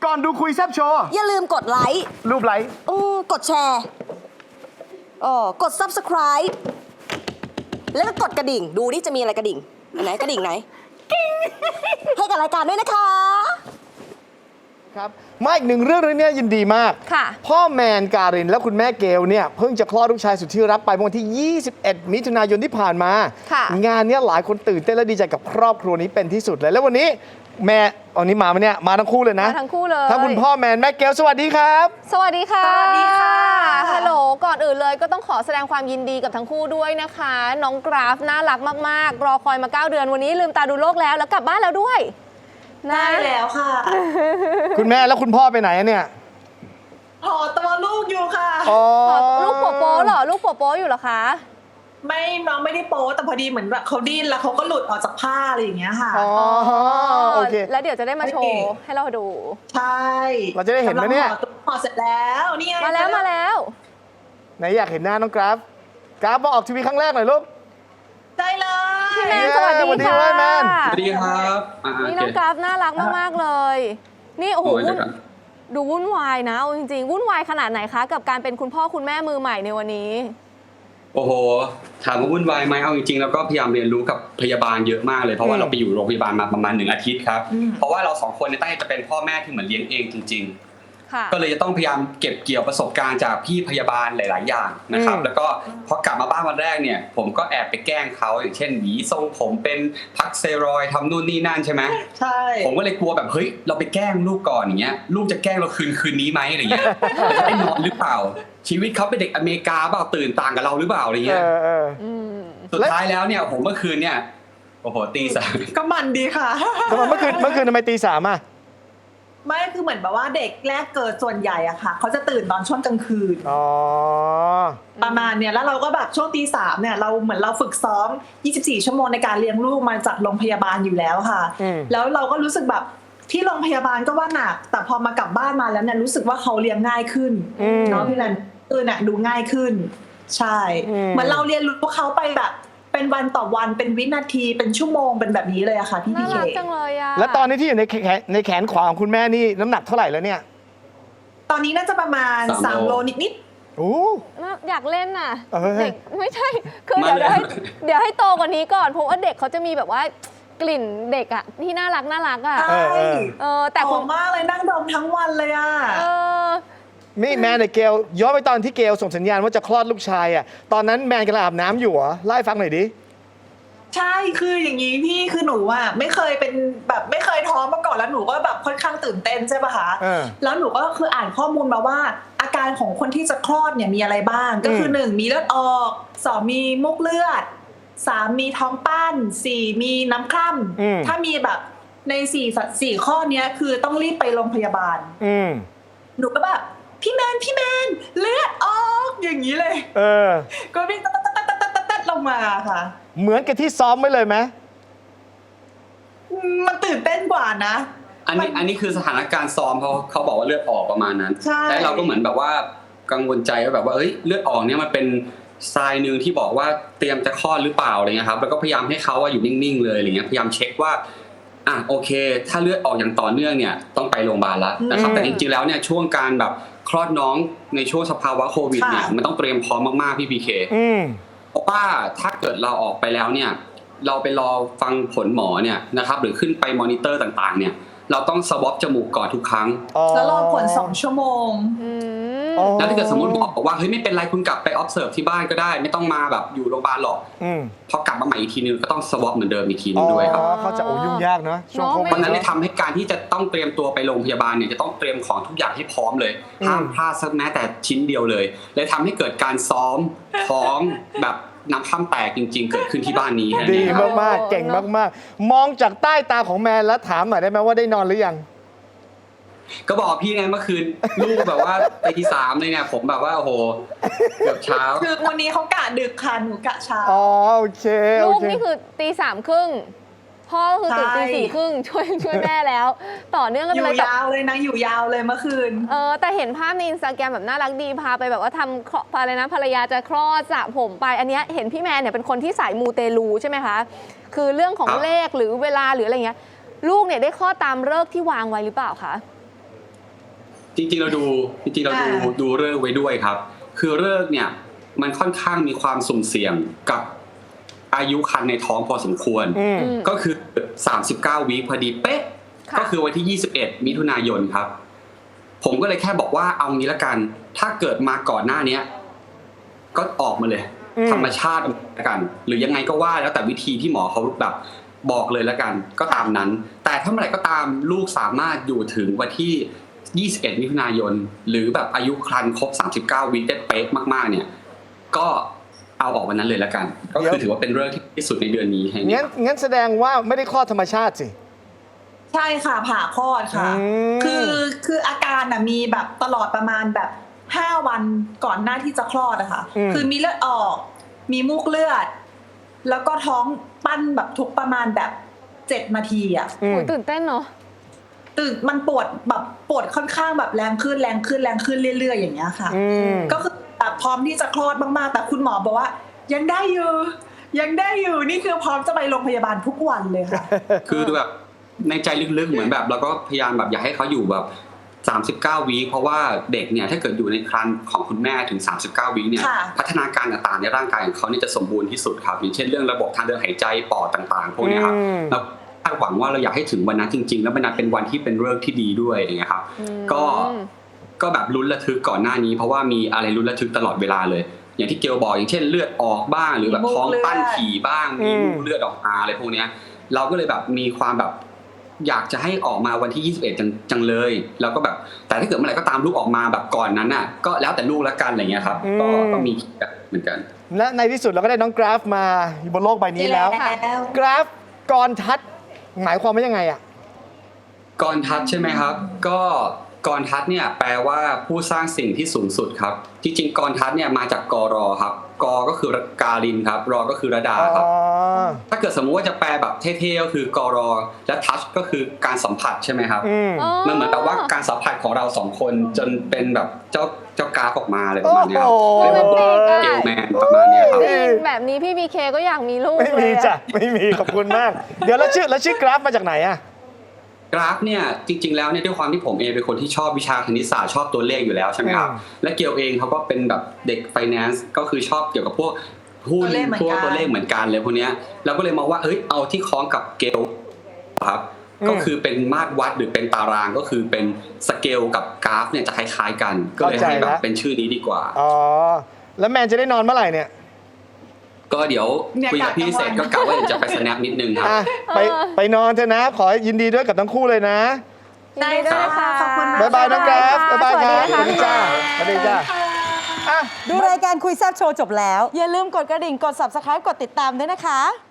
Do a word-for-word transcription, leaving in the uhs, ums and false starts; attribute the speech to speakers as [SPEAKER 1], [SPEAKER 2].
[SPEAKER 1] ก่อนดูคุยแซบโชว์
[SPEAKER 2] อย่าลืมกดไลค์
[SPEAKER 1] รูปไลค์
[SPEAKER 2] อือกดแชร์อ๋อกด ซับสไครบ์ แล้วก็กดกระดิ่ง ดูนี่จะมีอะไรกระดิ่งอันไหนกระดิ่งไหนให้กับรายการด้วยนะคะ
[SPEAKER 1] ครับมาอีกหนึ่งเรื่องเรื่องนี้ยินดีมาก
[SPEAKER 2] ค่ะ
[SPEAKER 1] พ่อแมนการินและคุณแม่เกลเนี่ยเพิ่งจะคลอดลูกชายสุดที่รักไปเมื่อวันที่ ยี่สิบเอ็ด มิถุนายนที่ผ่านมา
[SPEAKER 2] ค่ะ
[SPEAKER 1] งานนี้หลายคนตื่นเต้นและดีใจกับครอบครัวนี้เป็นที่สุดเลยแล้ววันนี้แม่วันนี้มาไหมเนี่ยมาทั้งคู่เลยนะ
[SPEAKER 2] มาทั้งคู่เลย
[SPEAKER 1] ทั้งคุณพ่อแมนแม่เกลสวัสดีครับ
[SPEAKER 2] สวัสดีค่ะ
[SPEAKER 3] สวัสดีค่ะ
[SPEAKER 2] ฮัลโหลก่อนอื่นเลยก็ต้องขอแสดงความยินดีกับทั้งคู่ด้วยนะคะน้องกราฟน่ารักมากๆรอคอยมาเก้าเดือนวันนี้ลืมตาดูโลกแล้วแล้วกลับบ้านแล้วด้วย
[SPEAKER 3] ได้แล้วค่ะ
[SPEAKER 1] คุณแม่แล้วคุณพ่อไปไหนเนี่ย
[SPEAKER 3] ห่อตัวลูกอยู่ค่ะ
[SPEAKER 2] ลูกโปโป้เหรอลูกโปโป้อยู่เหรอคะ
[SPEAKER 3] ไม่น้องไม่ได้โป๊แต่พอดีเหมือนแบบเขาดิ้นแล้วเขาก็หลุดออกจากผ้าอะไรอย่างเงี้ยค่ะ
[SPEAKER 1] อ๋อโอเค
[SPEAKER 2] แล้วเดี๋ยวจะได้มาโชว์ให้เราดู
[SPEAKER 3] ใช่
[SPEAKER 1] เราจะได้เห็นไหมเนี่ย
[SPEAKER 3] ห่อเสร็จแล้วนี่ไง
[SPEAKER 2] มาแล้วมาแล้ว
[SPEAKER 1] ไหนอยากเห็นหน้าน้องกราฟกราฟมาออกทีวีครั้งแรกหน่อยลูก
[SPEAKER 3] ได้เลย
[SPEAKER 2] พี่แมนสวัสดีค่ะ
[SPEAKER 4] สวัสดีครับ
[SPEAKER 2] นี่น้องกราฟน่ารักมากๆเลยนี่โอ้โหดูวุ่นวายนะจริงๆวุ่นวายขนาดไหนคะกับการเป็นคุณพ่อคุณแม่มือใหม่ในวันนี้
[SPEAKER 4] โอ้โหถามว่าวุ่นวายไหมเอาจริงๆแล้วก็พยายามเรียนรู้กับพยาบาลเยอะมากเลยเพราะว่าเราไปอยู่โรงพยาบาลมาประมาณหนึ่งอาทิตย์ครับเพราะว่าเราสองคนเนี่ยตั้งใจจะเป็นพ่อแม่ที่เหมือนเลี้ยงเองจริงๆก็เลยจะต้องพยายามเก็บเกี่ยวประสบการณ์จากพี่พยาบาลหลายๆอย่างนะครับแล้วก็พอกลับมาบ้านวันแรกเนี่ยผมก็แอบไปแกล้งเขาอย่างเช่นหวีทรงผมเป็นพักเซรอยทำนู่นนี่นั่นใช่ไหม
[SPEAKER 3] ใช่
[SPEAKER 4] ผมก็เลยกลัวแบบเฮ้ยเราไปแกล้งลูกก่อนอย่างเงี้ยลูกจะแกล้งเราคืนคืนนี้ไหมอะไรเงี้ยจะได้นอนหรือเปล่าชีวิตเขาเป็นเด็กอเมริกาเปล่าตื่นต่างกับเราหรือเปล่าอะไรเงี้ยสุดท้ายแล้วเนี่ยผมเมื่อคืนเนี่ยโอ้โหตีสาม
[SPEAKER 3] ก็มันดีค่ะ
[SPEAKER 1] ทำไมเมื่อคืนเมื่อคืนทำไมตีสามอ่ะ
[SPEAKER 3] ไม่คือเหมือนแบบว่าเด็กแรกเกิดส่วนใหญ่อะค่ะเขาจะตื่นตอนช่วงกลางคืน
[SPEAKER 1] อ๋อ
[SPEAKER 3] ประมาณเนี่ยแล้วเราก็แบบช่วงตีสามเนี่ยเราเหมือนเราฝึกซ้อมยี่สิบสี่ชั่วโมงในการเลี้ยงลูกมาจากโรงพยาบาลอยู่แล้วค่ะแล้วเราก็รู้สึกแบบที่โรงพยาบาลก็ว่าหนักแต่พอมากลับบ้านมาแล้วเนี่ยรู้สึกว่าเขาเลี้ยงง่ายขึ้นเนาะพี่แลนเออเนี่ยดูง่ายขึ้นใช่เหมือนเราเรียนรู้เขาไปแบบเป็นวันต่อวันเป็นวินาทีเป็นชั่วโมงเป็นแบบนี้เลยอะค่ะพี่พีเค
[SPEAKER 2] น่ารักจังเลยอะ
[SPEAKER 1] แล้วตอนนี้ที่อยู่ในแขนในแขนขวาของคุณแม่นี่น้ำหนักเท่าไหร่แล้วเนี่ย
[SPEAKER 3] ตอนนี้น่าจะประมาณสามโลนิด
[SPEAKER 1] ๆโอ้
[SPEAKER 2] อยากเล่นน่ะเด็กไม่ใช่คือเดี๋ยวให้เดี๋ยวให้โตกว่านี้ก่อนเพราะว่าเด็กเขาจะมีแบบว่ากลิ่นเด็กอะที่น่ารักน่ารักอะ
[SPEAKER 3] ใช่
[SPEAKER 2] เออแต่
[SPEAKER 3] หอมมากเลยนั่งดมทั้งวันเลยอะ
[SPEAKER 2] เออ
[SPEAKER 1] นี่แมนกับเกลย้อนไปตอนที่เกลส่งสัญญาณว่าจะคลอดลูกชายอ่ะตอนนั้นแมนกำลังอาบน้ำอยู่เหรอไล่ฟังหน่อยดิ
[SPEAKER 3] ใช่คืออย่างนี้พี่คือหนูอ่ะไม่เคยเป็นแบบไม่เคยท้องมาก่อนแล้วหนูก็แบบค่อนข้างตื่นเต้นใช่ป่ะคะแล้วหนูก็คืออ่านข้อมูลมาว่าอาการของคนที่จะคลอดเนี่ยมีอะไรบ้างก็คือหนึ่งมีเลือดออกสองมีมุกเลือดสามมีท้องปั้นสี่มีน้ำคร่ำถ้ามีแบบในสี่สี่ข้อนี้คือต้องรีบไปโรงพยาบาลหนูก็แบบพี่แมนพี่แมนเลือดออกอย่างนี้เลย
[SPEAKER 1] เออ
[SPEAKER 3] ก็วิ่งตัดตัดตัดตัดตัดตัดลงมาค่ะ
[SPEAKER 1] เหมือนกับที่ซ้อมไว้เลยไหม
[SPEAKER 3] มันตื่นเต้นกว่านะ
[SPEAKER 4] อันนี้อันนี้คือสถานการณ์ซ้อมเขาเขาบอกว่าเลือดออกประมาณนั้นและเราก็เหมือนแบบว่ากังวลใจว่าแบบว่าเอ้ยเลือดออกเนี่ยมันเป็นทรายหนึ่งที่บอกว่าเตรียมจะคลอดหรือเปล่าอะไรเงี้ยครับแล้วก็พยายามให้เขาอยู่นิ่งๆเลยอะไรเงี้ยพยายามเช็คว่าอ่ะโอเคถ้าเลือดออกอย่างต่อเนื่องเนี่ยต้องไปโรงพยาบาลแล้วนะครับแต่จริงๆแล้วเนี่ยช่วงการแบบคลอดน้องในช่วงสภาวะโควิดเนี่ยมันต้องเตรียมพร้อมมากๆพี่พีเคเพราะว่าถ้าเกิดเราออกไปแล้วเนี่ยเราไปรอฟังผลหมอเนี่ยนะครับหรือขึ้นไปมอนิเตอร์ต่างๆเนี่ยเราต้องสวอปจมูกก่อนทุกครั้ง
[SPEAKER 3] แล้วรอผลสองชั่วโมง
[SPEAKER 4] แล้วถ้าเกิดสมมติบอกว่าเฮ้ยไม่เป็นไรคุณกลับไป observe ที่บ้านก็ได้ไม่ต้องมาแบบอยู่โรงพยาบาลหรอกพอกลับมาใหม่อีกทีนึงก็ต้องสวอปเหมือนเดิมอีกทีนึงด้วยครับ
[SPEAKER 1] เขาจะโอ้ยุ่งยากนะช่วงโควิด
[SPEAKER 4] เพราะนั้นได้ทำให้การที่จะต้องเตรียมตัวไปโรงพยาบาลเนี่ยจะต้องเตรียมของทุกอย่างให้พร้อมเลยห้ามพลาดสักแม้แต่ชิ้นเดียวเลยเลยทำให้เกิดการซ้อมท้องแบบน้ำข้ามแตกจริงๆเกิดขึ้นที่บ้านนี้
[SPEAKER 1] ดีมากๆเก่งมากๆมองจากใต้ตาของแมนแล้วถามหน่อยได้ไหมว่าได้นอนหรือยัง
[SPEAKER 4] ก็บอกพี่ไงเมื่อคืนลูกแบบว่าไปที่สามเลยเนี่ยผมแบบว่าโอ้โหเกือบเช้า
[SPEAKER 3] คือวันนี้เขากะดึกค่ะหนูกะเช้า
[SPEAKER 1] อ๋อโอเค
[SPEAKER 2] ลูกนี่คือตีสามครึ่งพ่อคือตื่นตีสี่ครึ่งช่วยช่วยแม่แล้วต่อเนื่องกัน
[SPEAKER 3] เลยอยู่ยาวเลยนะอยู่ยาวเลยเมื่อคืน
[SPEAKER 2] เออแต่เห็นภาพในอินสตาแกรมแบบน่ารักดีพาไปแบบว่าทำอะไรนะภรรยาจะคลอดสระผมไปอันนี้เห็นพี่แมนเนี่ยเป็นคนที่สายมูเตลูใช่ไหมคะคือเรื่องของเลขหรือเวลาหรืออะไรเงี้ยลูกเนี่ยได้คลอดตามฤกษ์ที่วางไว้หรือเปล่าคะ
[SPEAKER 4] จริงๆเราดูจริงๆเราดู
[SPEAKER 3] อ่า
[SPEAKER 4] ดูเลิกษ์ไว้ด้วยครับ คือเลิกษ์เนี่ยมันค่อนข้างมีความสุ่มเสี่ยงกับอายุครรภ์ในท้องพอสมควร
[SPEAKER 1] อืม
[SPEAKER 4] ก็คือสามสิบเก้าวีคพอดีเป๊ะ
[SPEAKER 2] ค่ะ
[SPEAKER 4] ก็คือวันที่ยี่สิบเอ็ดมิถุนายนครับ ผมก็เลยแค่บอกว่าเอางี้ละกัน ถ้าเกิดมาก่อนหน้าเนี้ยก็ออกมาเลย
[SPEAKER 1] อืม
[SPEAKER 4] ธรรมชาติละกัน หรือยังไงก็ว่าแล้วแต่วิธีที่หมอเขาแบบบอกเลยละกัน ก็ตามนั้น แต่ถ้าเมื่อไหร่ก็ตามลูกสามารถอยู่ถึงวันที่ยี่สิบเอ็ดมิถุนายนหรือแบบอายุครรภ์ครบสามสิบเก้าวีคได้เป๊ะมากๆเนี่ย ก็เอาออกวันนั้นเลยละกัน ก็คือถือว่าเป็นเรื่องที่ที่สุดในเดือนนี้ให้
[SPEAKER 1] งั้นงั้นแสดงว่าไม่ได้คลอดธรรมชาติสิ
[SPEAKER 3] ใช่ค่ะผ่าคลอดค่ะ
[SPEAKER 1] อืม
[SPEAKER 3] คือคืออาการน่ะมีแบบตลอดประมาณแบบห้าวันก่อนหน้าที่จะคลอดอะค่ะ
[SPEAKER 1] อืม
[SPEAKER 3] คือมีเลือดออก มีมูกเลือด แล้วก็ท้องปั้นแบบทุกประมาณแบบเจ็ดนาทีอะ
[SPEAKER 1] อืม
[SPEAKER 5] โอ้ยตื่นเต้นเนาะ
[SPEAKER 3] ตื่นมันปวดแบบปวดค่อนข้างแบบแรงขึ้นแรงขึ้นแรงขึ้นเรื่อยๆอย่างเงี้ยค่ะ
[SPEAKER 1] อืม
[SPEAKER 3] ก็คือแบบพร้อมที่จะคลอดมากๆ แต่คุณหมอบอกว่า ยังได้อยู่ยังได้อยู่นี่คือพร้อมจะไปโรงพยาบาลทุกวันเลยค่ะ
[SPEAKER 4] คือแบบในใจลึกๆเหมือนแบบเราก็พยายามแบบอยากให้เขาอยู่แบบสามสิบเก้าวีคเพราะว่าเด็กเนี่ยถ้าเกิดอยู่ในครรภ์ของคุณแม่ถึงสามสิบเก้าวีคเนี่ย
[SPEAKER 3] ค่ะ
[SPEAKER 4] พัฒนาการต่างๆในร่างกายของเขาเนี่ยจะสมบูรณ์ที่สุดครับอย่างเช่นเรื่องระบบทางเดินหายใจปอดต่างๆพวกเนี้ยครับ
[SPEAKER 1] อืม
[SPEAKER 4] เราคาดหวังว่าเราอยากให้ถึงวันนั้นจริงๆ แล้วมันนั้นเป็นวันที่เป็นเรื่องที่ดีด้วยอย่างเงี้ยครับก็ก็แบบลุ้นระทึกก่อนหน้านี้ เพราะว่ามีอะไรลุ้นระทึกตลอดเวลาเลย อย่างที่เกลบอกอย่างเช่นเลือดออกบ้างหรือแบบท้องปั้นถี่บ้างมีมูกเลือดออกมาอะไรพวกเนี้ยเราก็เลยแบบมีความแบบอยากจะให้ออกมาวันที่ยี่สิบเอ็ดจังจังเลยแล้วก็แบบแต่ถ้าเกิดเมื่อไหร่ก็ตามลูกออกมาแบบก่อนนั้นน่ะก็แล้วแต่ลูกละกันอะไรเงี้ยครับก็
[SPEAKER 1] อืม
[SPEAKER 4] ก็มีแบบเหมือนกัน
[SPEAKER 1] และในที่สุดเราก็ได้น้องกราฟมาอยู่บนโลกใบนี้แล้ว
[SPEAKER 3] แล้ว
[SPEAKER 1] กราฟกรทัศน์หมายความว่ายังไงอ่ะ
[SPEAKER 4] กรทัศน์ใช่ไหมครับ ก็กรทัศน์เนี่ยแปลว่าผู้สร้างสิ่งที่สูงสุดครับจริงๆกรทัศน์เนี่ยมาจากกรอครับกก็คือการินครับรอก็คือระดาครับ
[SPEAKER 1] อ๋อ
[SPEAKER 4] ถ้าเกิดสมมุติว่าจะแปลแบบเท่ๆก็คือกรอและทัชก็คือการสัมผัสใช่ไหมครับ
[SPEAKER 1] อืม
[SPEAKER 4] มันเหมือนแบบว่าการสัมผัสของเราสองคนจนเป็นแบบเจ้าเจ้ากราฟออกมาอะไรประมาณเนี้ยครับ
[SPEAKER 1] โอ้โห
[SPEAKER 4] เรียกว่า
[SPEAKER 5] โรแมนติกอะ
[SPEAKER 4] เกลแมนประมาณเนี้ยครับ
[SPEAKER 5] ได้ยินแบบนี้พี่บีเคก็อยากมีลูก
[SPEAKER 1] ไม่
[SPEAKER 5] เล
[SPEAKER 1] มี
[SPEAKER 5] ย
[SPEAKER 1] จ้ะ
[SPEAKER 5] อะ
[SPEAKER 1] ไม่มีขอบคุณมาก เดี๋ยวแล้วชื่อแล้วชื่อกราฟมาจากไหนอ่ะ
[SPEAKER 4] กราฟเนี่ยจริงๆแล้วเนี่ยด้วยความที่ผมเองเป็นคนที่ชอบวิชาคณิตศาสตร์ชอบตัวเลขอยู่แล้วใช่ไหมครับ
[SPEAKER 1] อืม
[SPEAKER 4] และเกียวเองเขาก็เป็นแบบเด็กไฟแนนซ์ก็คือชอบเกี่ยวกับพวกหุ้น
[SPEAKER 3] ตัวเลขเหมือน
[SPEAKER 4] พวก
[SPEAKER 3] กัน
[SPEAKER 4] ตัวเลขเหมือนกันเลยพวกเนี้ยเราก็เลยมองว่าเอ้ยเอาที่คล้องกับเกลครับก็คือเป็นมาตรวัดหรือเป็นตารางก็คือเป็นสเกลกับกราฟเนี่ยจะคล้ายๆกัน ก็เลยให้แบบเป็นชื่อนี้ดีกว่า
[SPEAKER 1] อ๋อ แล้วแมนจะได้นอนเมื่อไหร่เนี่ย
[SPEAKER 4] ก็เดี๋ยวคุยกับพี่เสร็จก็กะว่าเดี๋ยวจะไปสแนปนิดนึงครับ
[SPEAKER 1] อ่ะไปไปนอนเถอะนะ ขอยินดีด้วยกับทั้งคู่เลยนะ
[SPEAKER 5] ยินดีด้วยนะคะ
[SPEAKER 3] ขอบคุณมาก
[SPEAKER 1] บ๊ายบายน้องกราฟบ๊ายบายครับ
[SPEAKER 5] สวัสดีค่ะ
[SPEAKER 1] สวัสดีจ้าอ่ะ
[SPEAKER 2] ดูรายการคุยแซ่บโชว์จบแล้ว อย่าลืมกดกระดิ่งกด ซับสไครบ์ กดติดตามด้วยนะคะ